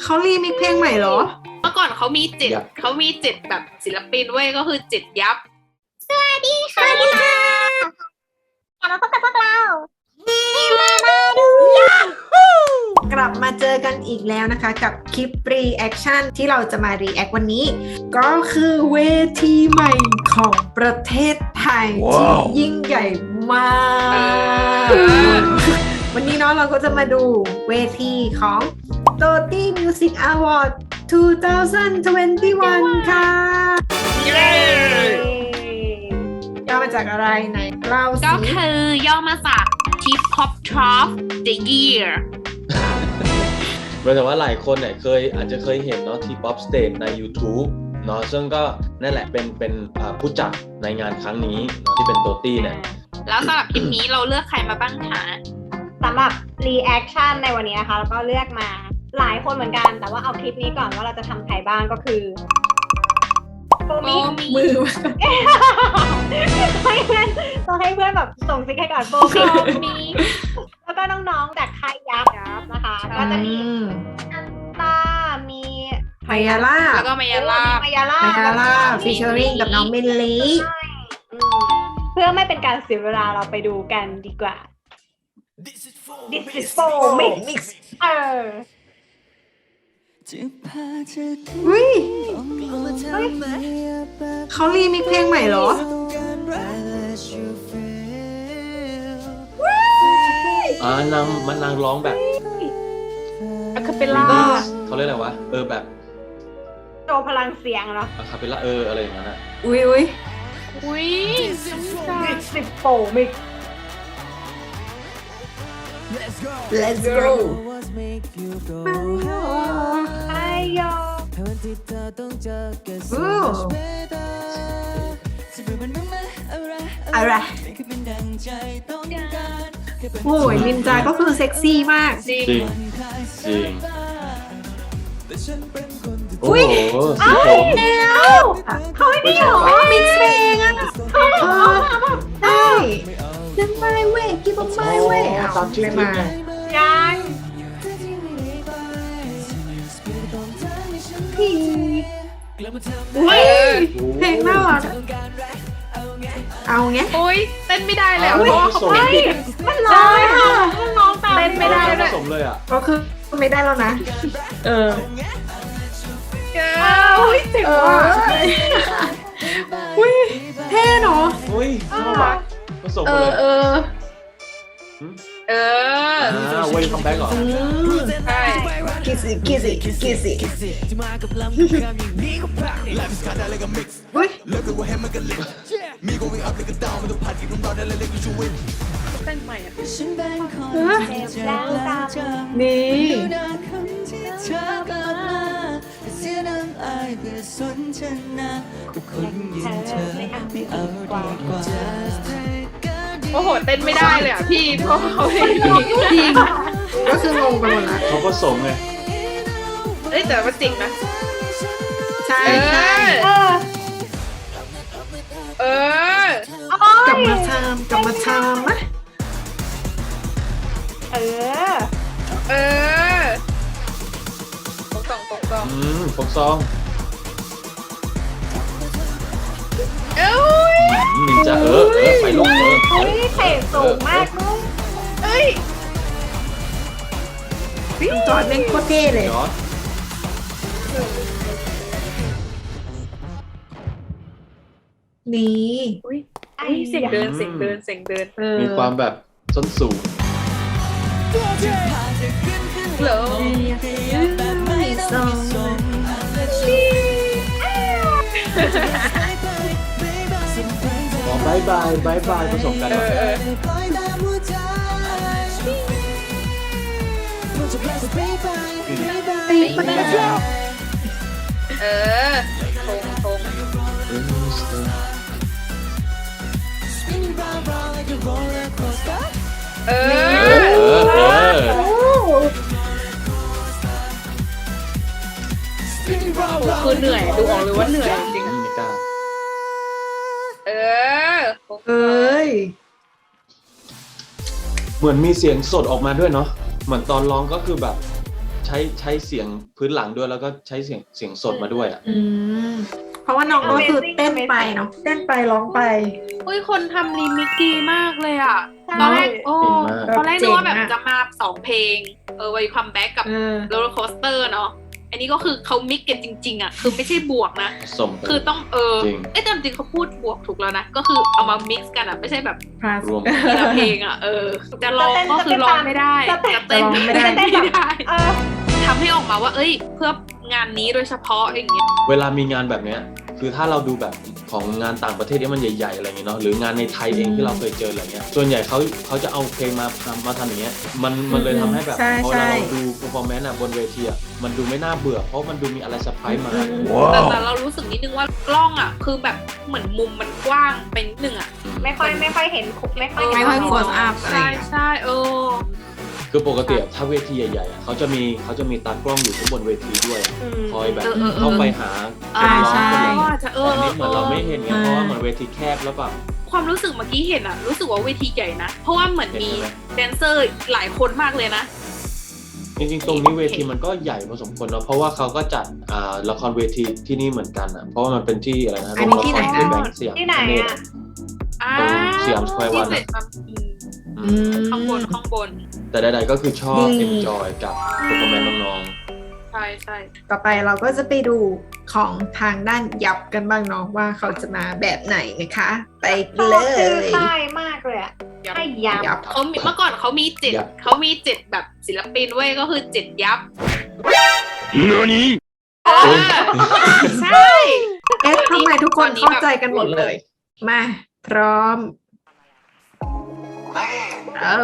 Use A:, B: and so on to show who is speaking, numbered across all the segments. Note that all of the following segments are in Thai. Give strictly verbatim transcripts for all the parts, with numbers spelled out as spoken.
A: เขารีมิกเพลงใหม่เหรอ
B: เมื่อก่อนเขามีเจ็ดเขามีเจ็ดแบบศิลปินเว้ยก็คือเจ็ดยับ
C: สวัสดีค่ะกลับมาพบกับพวกเราเฮมามาดู
A: กลับมาเจอกันอีกแล้วนะคะกับคลิปรีแอคชั่นที่เราจะมารีแอควันนี้ก็คือเวทีใหม่ของประเทศไทย wow. ที่ยิ่งใหญ่มากวันนี้เนาะเราก็จะมาดูเวทีของ โตตี้ Music Award สองพันยี่สิบเอ็ด ค่ะเย้ย่อมาจากอะไรไหนเล่าสิ
B: ก็คือย่อมาจาก Tip Top Top The Year
D: หมายถึงว่าหลายคนเนี่ยเคยอาจจะเคยเห็นเนาะที่ Pop Stage ใน YouTube เนาะซึ่งก็นั่นแหละเป็นเป็นผู้จัดในงานครั้งนี้เนาะที่เป็นโตตี้เนี่ย
B: แล้วสำหรับคลิปนี้เราเลือกใครมาบ้างคะ
C: สำหรับรีแอคชั่นในวันนี้นะคะแล้วก็เลือกมาหลายคนเหมือนกันแต่ว่าเอาคลิปนี้ก่อนว่าเราจะทำใครบ้างก็คือโฟมิ
A: มือ
C: ให้เพื่อนต้องให้เพื่อนแบบส่งซิกให้ก่อนโฟมิแล้วก็น้องๆจากค่ายยับนะคะก็จะมีอันตามี
A: มายาล่า
B: แล้วก็มายาล่าม
C: ายาล่า
A: มายาล่าฟีเจอริ่งกับน้องเมลลี่
C: เพื่อไม่เป็นการเสียเวลาเราไปดูกันดีกว่า This is for mix เออ
A: อุ้ยเขารีมิกเพลงใหม่เหรอ
D: อ่านางมันนางร้องแบบ
B: อะคาเปลล่า
D: เขาเรียกอะไรวะเออแบบ
C: โชว์พลังเสียงเหรอ
D: อะคาเปลล่าเอออะไรอย่างนั้นอ่ะ
A: อุ้ยอุ้ย
B: อุ้ย
C: This is for mix
A: Let's go Let's go
C: ไอโย
A: อะไรโอ้ยนินจาก็คือเซ็กซี่มาก
D: จริงจริง
A: โอ้โห
D: สีผม
A: เขาไม่ได้หรอมิกซ์เพลงอ่ะได้ยังไม่เว้ยกิ๊บไม่เว้ยตามชื่อมา
C: ยัง
A: พี่อุ้ยเพลงน่ารักเอาเงี้ย
B: โอ้ยเต้นไม่ได้เลยเพราะว่าเขาไม่
C: มันร้องค่ะมันร้องตาม
B: เต้นไม่ได้
D: เลยผสมเลยอ่ะ
A: ก็คือไม่ได้แล้วนะเออ
B: โอ้ยเจ็บว่ะ
A: อุ้ยเท่เนาะ
D: อุ้ยน่ารักผสมเลย
B: เออเออ
D: เว้ยคัมแบ็กเหรอ
B: ใช่
A: คิสซี่คิสซี่คิสซี่เฮ้ย
B: เต้นใหม่อ่ะนี่โอ้โหเต้นไม่ได้เลยอ่ะพี่เพราะเขาไม่จริง
A: ก็คืองงไปหมดละ
D: เขาก็ส่งไง
B: เอ้ยแต่ว่าจริงนะ
A: ใช่ใช่
B: เอ
A: อกลับมาทำกลับมาทำนะ
C: เออ
B: เออปกซองปกซอง
D: อืมปกซอง
B: เอ้ย
D: นินจาเออเออไปลงเออ
C: เฮ้ยเตะสูงมากลูก
B: เอ้ย
A: จอดเล่นโคตรเท่เลยนี่
B: อุ้ยเสียงเดินเสียงเดินเสียงเดิน
D: มีความแบบส้นสูง
B: เหรอ
D: บายบายบายบายผสมกันเออเออ
B: ทงทงเออคือเหนื่อยดูออกเลยว่าเหนื่อยจริงเออ
A: เอ้ย
D: เหมือนมีเสียงสดออกมาด้วยเนาะเหมือนตอนร้องก็คือแบบใช้ใช้เสียงพื้นหลังด้วยแล้วก็ใช้เสียงเสียงสดมาด้วยอ่ะ
A: อืมเพราะว่าน้องก็คือเต้นไปเนาะเต้นไปร้องไป
B: อุ้ยคนทำรีมิกดีมากเลยอ่ะ
C: ใช่
B: ตอนแรกโอ้
D: เก่งมาก
B: ตอนแรกนึกว่าแบบ
A: เจ๋งอะ
B: จะมาสองเพลง เออไวคัมแบ็กกับ
A: เออ
B: โรลเลอร์โคสเตอร์เนาะ อันนี้ก็คือเขามิกกันจริง ๆ อ่ะ คือไม่ใช่บวกนะ
D: สม
B: คือต้องเออ
D: จริง
B: เอ้ยแต่จริงๆเขาพูดบวกถูกแล้วนะ ก็คือเอามามิกซ์กันอ่ะ ไม่ใช่แบบ
A: plus
D: รวม
B: ทีละเพลงอ่ะ เออ จะร้องก็คือร้องไม่ได้
C: จะเต้น
B: จะเต้น
A: จะร้องไม่ได้
B: ไม่ได้
C: เออ
B: ทำให้ออกมาว่า เอ้ย เพื่องานนี้โดยเฉพาะอย่างเงี้ย
D: เวลามีงานแบบเนี้ยคือถ้าเราดูแบบของงานต่างประเทศที่มันใหญ่ๆอะไรเงี้ยเนาะหรืองานในไทยเองที่เราเคยเจออะไรเงี้ยส่วนใหญ่เขาเขาจะเอาเพลงมาทำมาทำอย่างเงี้ยมันมันเลยทำให้แบบ
A: ใช่
D: พอ
A: ใช่
D: เราดู performance อะบนเวทีอะมันดูไม่น่าเบื่อเพราะมันดูมีอะไรเซอร์ไพรส์มา
B: แต่แต่เรารู้สึกนิดนึงว่ากล้องอ่ะ คือแบบเหมือนมุมมันกว้างเป็นนิดนึงอ่ะ
C: ไม่ค่อยไม่ค่อยเห็นคุกไม่ค่อย
A: ไม่ค่อย
C: เห็น
A: close up อะไร
B: ใช่
A: เงี้ย
B: ใช่เออ
D: คือปกติอะถ้าเวทีใหญ่ๆอะเขาจะมีเขาจะมีตากล้องอยู่ข้างบนเวทีด้วย
C: อืม
D: คอยแบบ
B: เออเออเออ
D: เข้าไปหา
B: อ่า
D: ร้อง
A: ใช่
D: คนร้อง
B: ว่าจะเออ
D: อันนี้เหมือนเราไม่เห็นไง
A: ใช่
D: เพราะว่าเหมือนเวทีแคบแล้วแบบ
B: ความรู้สึกเมื่อกี้เห็นอ่ะ รู้สึกว่าเวทีใหญ่นะ เพราะว่าเหมือนมี
D: เห็นไหม
B: แดนเซอร์หลายคนมากเลยนะ
D: จริงๆ ตรงนี้เวทีมันก็ใหญ่พอสมควรเนาะเพราะว่าเขาก็จัดอ่าละครเวทีที่นี่เหมือนกันอ่ะเพราะว่ามันเป็นที่อะไรนะ
A: อันนี้ที่ไหนนะ
D: โรงละครแบงค์สยาม
C: ที่ไหน
D: พาณิชย์
C: อ่ะ
B: อ่า
D: ตรงสยามสแควร์วัน
B: ที่
D: อะ
B: เสร็จมาอืม
D: อืม
B: ข้างบนข้างบน
D: แต่ใดๆก็คือชอบ
A: ดี
D: enjoy กับ performance น้อง
B: ใช่ใช่
A: ต่อไปเราก็จะไปดูของทางด้านยับกันบ้างเนาะว่าเขาจะมาแบบไหนนะคะ ไปกัน
C: ช
A: เล
C: อบชื่อย ค่ายมากเลยอ่ะ
B: ยับ
C: ให้ย
A: ยับ
B: เขามีเมื่อก่อนเขามีเจ็ด
D: ยับ
B: เขามีเจ็ดแบบศิลปินเว้ยก็คือเจ็ดยับ
D: ๆ
B: เออใช่
A: เอ๊ะทำไมทุกคนเข้าใจกันหมดเลย มา พร้อม เอ้า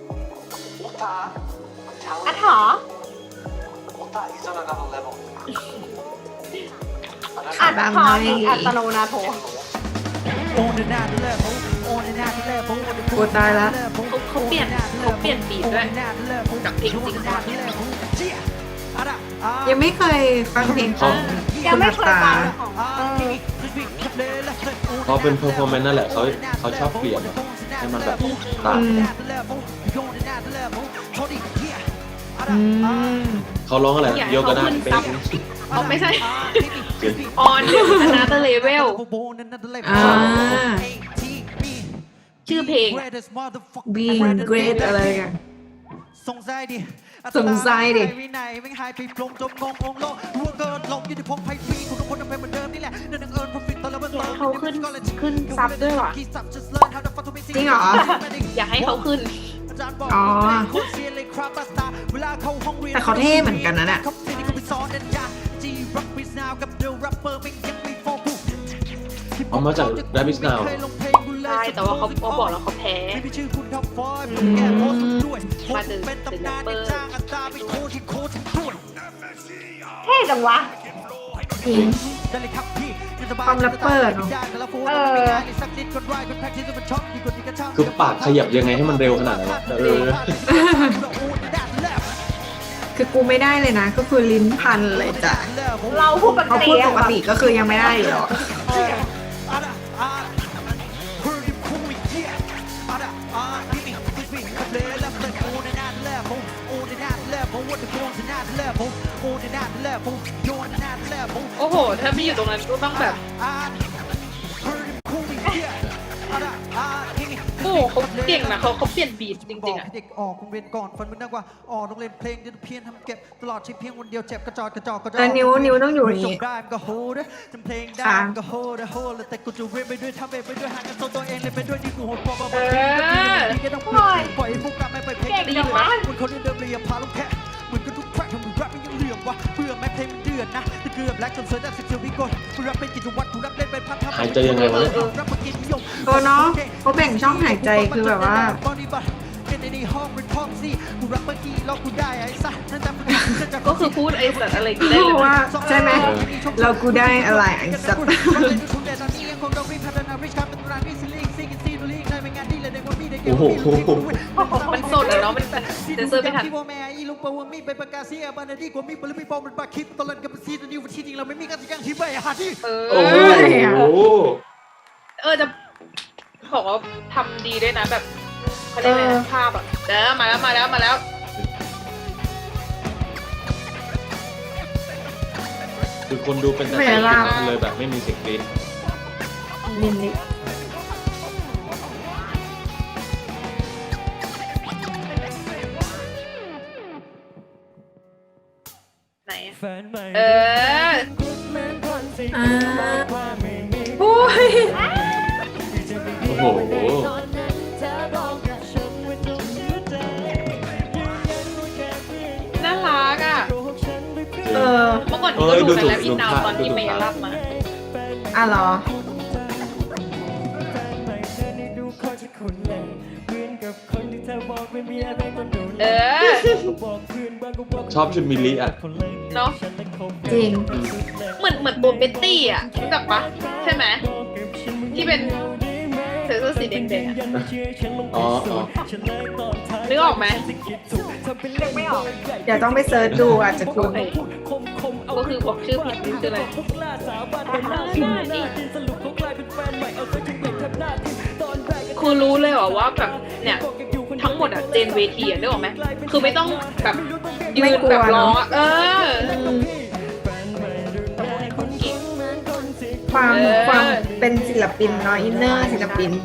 C: ๆอะถออัด
A: ตาม
C: ถอ
A: ให้
C: อีกอัตโนนาโถ
A: กูตายละ
B: เขาเขาเปลี่ยนเขาเปลี่ยนบีทด้วยจากเพลงจริงตอนนี้
A: ยังไม่เคยฟังเพลงของ
C: ยังไม่เคยฟัง
A: ณ
C: ของ
D: พอเป็น performance นั่นแหละเขาเขาชอบเปลี่ยนอะให้มันแบบต่าง
A: อืมอืม
D: เขาร้องอะไร
B: อยากให้
D: โยกกระดาษ
B: เขาขึ้น
D: เป็น
B: ซับ เอาไม่ใใช่
D: จริง
B: on another level
A: อ่า
B: ชื่อเพลงอะ
A: being great อะไรกัน
E: สงสัยดิ
A: สงสัยดิ
E: วินัยไม่หายไปปลงจมงงงงโลกร่วงเกินลงอยู่ในพงไพ่ฟรีคุณทุกคนทำเป็นเหมือนเดิมนี่แหละเดินเอิญ profit ตอนละเบิด
B: อยากให้เขาขึ้นขึ้นซับด้วยว่ะ
A: จริงเหรอ
B: อยากให้เขาขึ้น
A: อ๋อ แต่เขาเท่เหมือนกันนะเนี่ย
D: เอามาจาก Rabbit Now
B: ใช่แต่ว่าเขาเขาบอกแล้วเขาแพ้ มาดึงดึงแรปเปอร์
C: เท่จังวะ
A: จริง ความแรปเปอร์เนอะ
C: เออ
D: คือปากขยับยังไงให้มันเร็วขนาดนั้นวะเออ
A: คือกูไม่ได้เลยนะ ก็คือลิ้นพันเลยจ้ะ
C: เราพูดปก
A: เขา
C: ติ
A: พูดป
C: อะ
A: กติก็คือยังไม่ได้อยู่หรอก
B: โอ้โห ถ้าไม่อยู่ตรงนั้นก็ต้องแบบ โอ้โหเขาเก่งนะเขาเขาเปลี่ยนบีทจริงๆอ่ะ
E: เด็กออกโรงเรียนก่อนฝันมึงนักว่าออกโรงเรียนเพลงเดินเพียนทำเก็บตลอดชีวิตเพียงคนเดียวเจ็บกระจอกกระจอกกระจอก
A: แต่นิ้วนิ้วต้องอยู่อย่าง
E: จ
A: นี้
E: บได้มันก็โหดจำเพลงได้
A: ค่ะ
E: มันก็โหดโหดแต่กูจะเรียนไปด้วยทำไปด้วยหากันโซตัวเองเลยไปด้วยที่กูโหดพอมา
B: เออ
E: ดีก็ต้องปล่อยปล่อยให้พวกกลับไม่ไปเพลง
C: เก่งจังวะ
E: เหมือนคนเดิมเลยอย่าพาลงแค่เหมือนกันทุกแทร็กทำมึงแรปไม่ยังเหลื่อมวะเบื่อแม้เพลงมันเดือดนะแต่เกือบแลกจนเสือได้สิบเสียววิกลกูแรปเป็นกิจวัตรกูแรปเล่นเป็นพัฒนา
D: หายใจยังไงวะเนี่ย
E: แรปมากินนิยม
A: เออเนาะเขาแบ่งช่องหายใจคือแบบว่า
B: ก็คือพูดไอ้สัตว์อะไรก็ได้เลย
A: ว่า
B: นะ
A: ใช่ไหม เรากูได้อะไรไอ้สัตว์
D: โอ้โห
B: มันสดอะเนาะมันเซนเซอร์ไม่ทัน เอ
D: โอ้
B: อ
D: โห
B: เออจะบอกว่าทำดีด้วยนะแบบเขาเรียกอะไรนะภาพอ่ะเด้อมาแล้วมาแล้วมาแล้ว
D: คือคนดูเป็นแต่
A: ไม่
D: เสียง
A: ล่ะ
D: เลยแบบไม่มีเสียงกรี๊ด
A: มินลิ
B: ไหนอะ
E: แฟนใหม่
B: เออ
A: อ่าโอ้ย
D: โอ้โห
B: น่ารักอ่ะ
A: เออ
B: เมื่อก่อนนี้ก็ดูในแลบอินนาวตอนที่เมย์รับมา
A: อ่ะเหรอ
B: เออ
D: ชอบชุดมิลลิอ่ะ
B: เนาะ
A: จริง
B: เหมือนเหมือนตัวเบตตี้อ่ะรู้จักปะใช่ไหมที่เป็นเสื้อสีแดงๆอะ
D: อ๋ออ๋อ
B: นึกออกไหม
C: นึกไม่ออก
A: เดี๋ยวต้องไปเซิร์ชดูอาจจะคุ้น
B: เอ้ยก็คือบอกชื่อผิดนี่คืออะไรคือรู้เลยเหรอว่าแบบเนี่ยทั้งหมดอะเจนเวทีอะนึกออกไหมคือไม่ต้องแบบยืนแบบร้องอะเออ
A: ความ
B: เออ
A: ความเป็นศิลปินเนาะอินเนอร์ศิลปิน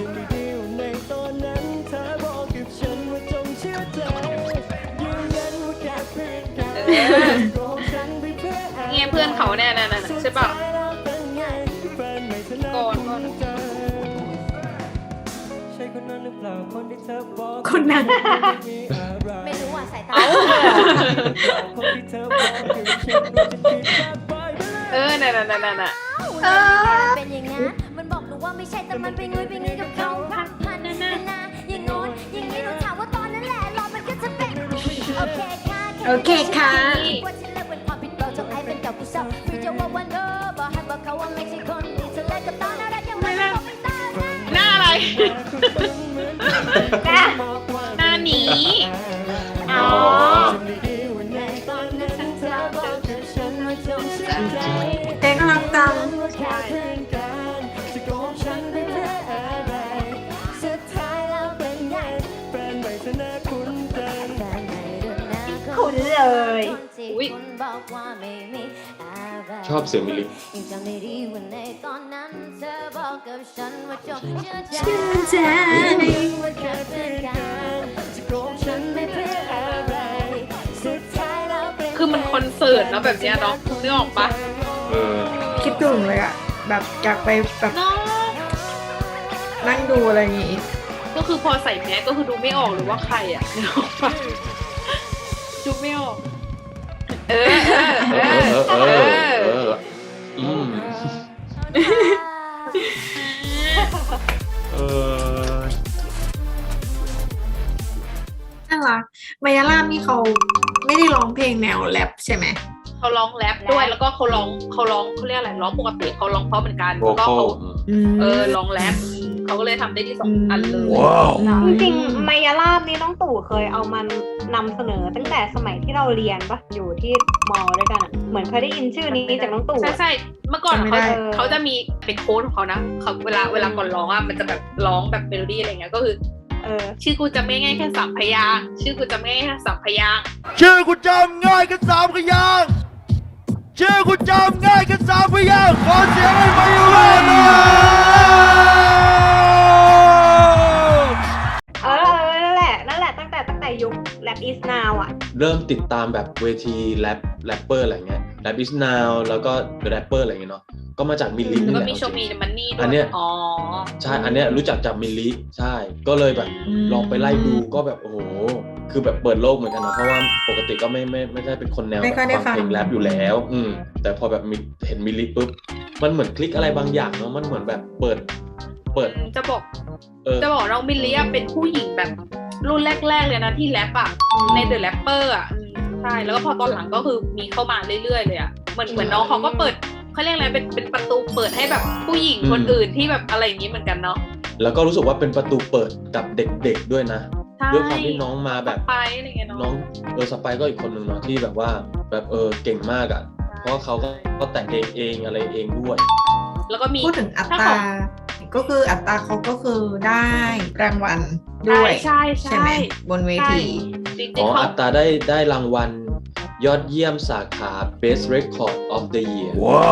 B: เออเงี้ยเพื่อนเขาแน่น่ะน่ะใช่ป่ะก่อนก่อน
A: คนนั้น
F: ไม่รู้อ่ะสายตา
B: เอ้าเออน่ะน่ะน่ะน่ะน่ะ
A: เออ
F: เป็นอย่างนั้นมันบอกหนูว่าไม่ใช่แต่มันไปงุยไปงี้กับเขาพันพันนานาอย่างโน้นอย่างนี้หนูถามว่าตอนนั้นแหละรอมันก็จะเป็นโอเคค่ะ
A: โอเคค่ะ
F: ว่าฉันเลิกเป็นความผิดเราจงไอ้เป็นเก่ากูเศร้าพี่จะว่าวันเออบอกให้บอกเขาว่าไม่ใช่คนที่เธอเลิกกับตอนนั้นรักยังไม่ได้บอกไม่ได้
B: หน้าอะไร
C: นะ
B: หน้าหนี
C: อ๋อ
A: เพลงน่ารักจัง
C: คุ้นเลย
B: อุ๊ย
D: ชอบเสียงมิลลิ
A: ชื่นใจ
B: คือมันคอนเสิร์ตแล้วแบบเนี้ยเนาะนึกออกปะ
D: เออ
A: คิดถึงเลยอะแบบอยากไปแบบ
B: เนาะ
A: นั่งดูอะไรอย่างงี้
B: ก็คือพอใส่แมสก็คือดูไม่ออกหรือว่าใครอ่ะนึกออกปะดูไม่ออก เออเออ
D: เอ
B: เอ
D: อ
B: อ
D: เออ เอ
B: เอ
D: อ
B: อ
D: อืมเออ
A: น่ารักมายาลานี่เขาไม่ได้ร้องเพลงแนวแรปใช่ไหม
B: เขาร้องแรปด้วยแล้วก็เขาร้องเขาร้องเขาเรียกอะไรร้องปกติเขาร้องเพราะเหมือนกัน
D: โว
B: แล้วก็
D: คอล
B: เขา
A: อืม
B: เออร้องแรปเขาก็เลยทำได้ที่สองอันเลย
D: ว้าว
C: จริงๆมายาลาบนี่น้องตู่เคยเอามันนำเสนอตั้งแต่สมัยที่เราเรียนปะอยู่ที่มอด้วยกันอะเหมือนเคยได้ยินชื่อนี้จากน้องตู่
B: ใช่
C: อะ
B: ใช่เมื่อก่อนเขาเขาจะมีเป็นโค้ดของเขานะเขาเวลาเวลาก่อนร้องอ่ะมันจะแบบร้องแบบเมโลดี้อะไรเงี้ยก็คือ
C: เออ
B: ชื่อกูจำไม่ง่ายแค่สามพยางค์ชื่อกูจำไม่ง่ายแค่สามพยางค์
E: ชื่อกูจำง่ายกันสามพยางค์ชื่อกูจำง่ายกันสามพยางค์ขอเสียงให้มาอยู่เลยนะ
C: เออเออนั่นแหละนั่นแหละตั้งแต่ตั้งแต่ยุค Rap is now อ่ะ
D: เริ่มติดตามแบบเวทีแรปแรปเปอร์อะไรเงี้ยแรปอิสนาวแล้วก็แรปเปอร์อะไรเงี้ยเนาะก็มาจากมิลลิ
B: แล้ว
D: นี่
B: ก็
D: แหละ
B: มีโชว์มีมันนี่ด้ว
D: อั
B: ย
D: นเนี้ย
B: อ๋อ
D: ใช่อันเนี้ยรู้จักจากมิลลิใช่ก็เลยแบบ
A: อืม
D: ลองไปไล่ดูก็แบบโอ้โหคือแบบเปิดโลกเหมือนกันนะเพราะว่าปกติก็ไม่ไม่ไม่ได้เป็นคนแนว
A: ไม่ค่อยได้
D: ฟังเพลง
A: ฟัง
D: แรปอยู่แล้ว อืมแต่พอแบบมีเห็นมิลลิปุ๊บมันเหมือนคลิกอะไรบางอย่างเนาะมันเหมือนแบบเปิดเปิด
B: จะบอก
D: เออ
B: จะบอกน้องมิลลี่อะเป็นผู้หญิงแบบรุ่นแรกๆเลยนะที่แรปอะในเดอะแรปเปอร์อะอืมใช่แล้วก็พอตอนหลังก็คือมีเข้ามาเรื่อยๆเลยอะเหมือนเหมือนน้องเขาก็เปิดเขาเรียกอะไรเป็นเป็นประตูเปิดให้แบบผู้หญิงคนอื่นที่แบบอะไรอย่างนี้เหมือนกันเนาะ
D: แล้วก็รู้สึกว่าเป็นประตูเปิดกับเด็กๆด้วยนะ
B: ใช่
D: ด้วยความที่น้องมาแบบ
B: ไปอะไรเงี้ยเนาะ
D: น้องเออสไปร์ก็อีกคนหนึ่งเนาะที่แบบว่าแบบเออเก่งมากอ่ะเพราะว่าเขาก็ก็แต่งเองเองอะไรเองด้วย
B: แล้วก็มี
A: พูดถึงอัต
B: ถ้
A: รา
B: ของ
A: ก็คืออัตราเขาก็คือได้รางวัลด้วย
B: ใช่ใช่
A: ใช่ไหมบนเว
B: ใช่
A: ที
B: จริง
D: อ๋อ
B: ๆเขา
D: อัตราได้ได้รางวัลยอดเยี่ยมสาขา Best Record of the Year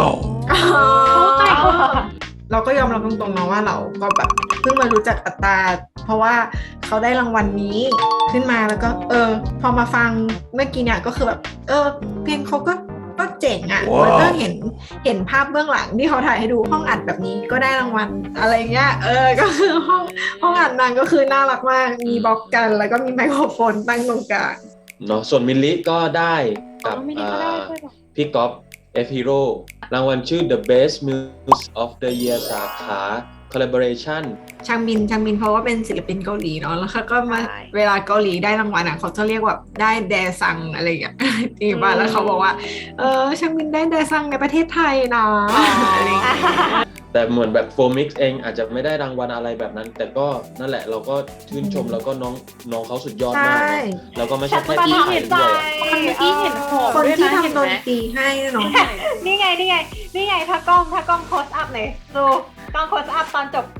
A: เราก็ยอมรับตรงๆนะว่าเราก็แบบเพิ่งมารู้จักอัตตาเพราะว่าเขาได้รางวัลนี้ขึ้นมาแล้วก็เออพอมาฟังเมื่อกี้เนี่ยก็คือแบบเออเพลงเขาก็ก็เจ๋งอ่ะ
D: ว้าว
A: แล้วก็เห็นเห็นภาพเบื้องหลังที่เขาถ่ายให้ดูห้องอัดแบบนี้ก็ได้รางวัลอะไรเงี้ยเออก็คือห้องห้องอัดนางก็คือน่ารักมากมีบล็อกกันแล้วก็มีไมโครโฟนตั้งตรงกลาง
D: เนาะส่วนมิลลิก็ได้กับ
B: อ๋อมิลลิก็ได้ด้วยเหรอ
D: พี่ก๊อฟ F Hero รางวัลชื่อ The Best Music of the Year สาขา Collaboration
A: ชางมินชางมินเพราะว่าเป็นศิลปินเกาหลีเนาะแล้วเขาก็มา
C: ใช่
A: เวลาเกาหลีได้รางวัลอ่ะเขาจะเรียกว่าได้แดซังอะไรอย่างเงี้ย ที่บ้านแล้วเขาบอกว่าเออชางมินได้แดซังในประเทศไทยนะอะไรอย่างเงี้ย
D: แต่เหมือนแบบโฟมิกเองอาจจะไม่ได้รางวัลอะไรแบบนั้น แต่ก็นั่นแหละเราก็ชื่นชมแล้วก็น้องน้องเขาสุดยอดมาก
A: ใช่
D: เนอะแล้วก็ไม่ใช่แค่
C: ฉั
D: ที่
C: น
D: ไท
C: เห็
D: ย
C: นใจ
D: ด้วยอะ
B: เมื่อกี้เห็นหอม
A: คน
B: ด้วย
A: ที่
B: นะเห็น
A: ทำด
B: ไหม
A: นตรีให้เนาะ
C: นี่ไงนี่ไงนี่ไงถ้ากล้องถ้ากล้องโคสอัพหน่อยดูกล้องโคสอัพตอนจบ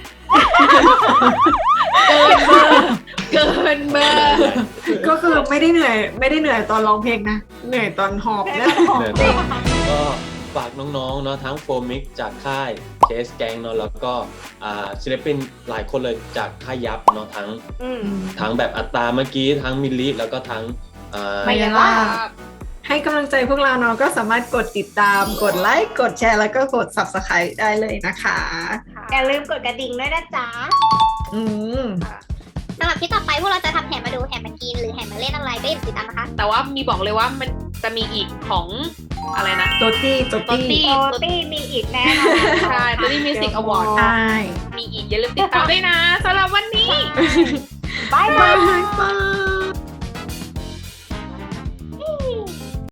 B: เกินเบอร์
A: ก็คือไม่ได้เหนื่อยไม่ได้เหนื่อยตอนร้องเพลงนะเหนื่อยตอนหอบนะ
D: เนี่ยนะก็ฝากน้องๆเนาะทั้งโฟมิกจากค่ายเคสแกงเนาะแล้วก็อ่าศิลปินหลายคนเลยจากค่ายยับเนาะทั้ง
C: อืม
D: ทั้งแบบอัตตาเมื่อกี้ทั้งมิลลิแล้วก็ทั้งอ่า
A: ไม่
C: ไม่ว่า
A: ให้กำลังใจพวกเราเนาะก็สามารถกดติดตามกดไลค์กดแชร์แล้วก็กด Subscribe ได้เลยนะคะ
C: อย่าลืมกดกระดิ่งด้วยนะจ๊ะ
A: อืม
G: สำหรับที่ต่อไปพวกเราจะทำแห่มาดูแห่มากินหรือแห่มาเล่นอะไรก็อย่าลืมติดตามนะคะ
B: แต่ว่ามีบอกเลยว่ามันจะมีอีกของอะไรนะ
A: โตตี้โต
B: โต
A: ตี้
B: ตี้
C: โตตี้มีอีกแน่นอน
B: ใช่โตตี้มิวสิกอวอร์ด
A: ใช่
B: มีอีกอย่าลืมติดตามด้วยนะสำหรับวันนี้
C: บาย
A: บา
C: บาย
A: ยบาย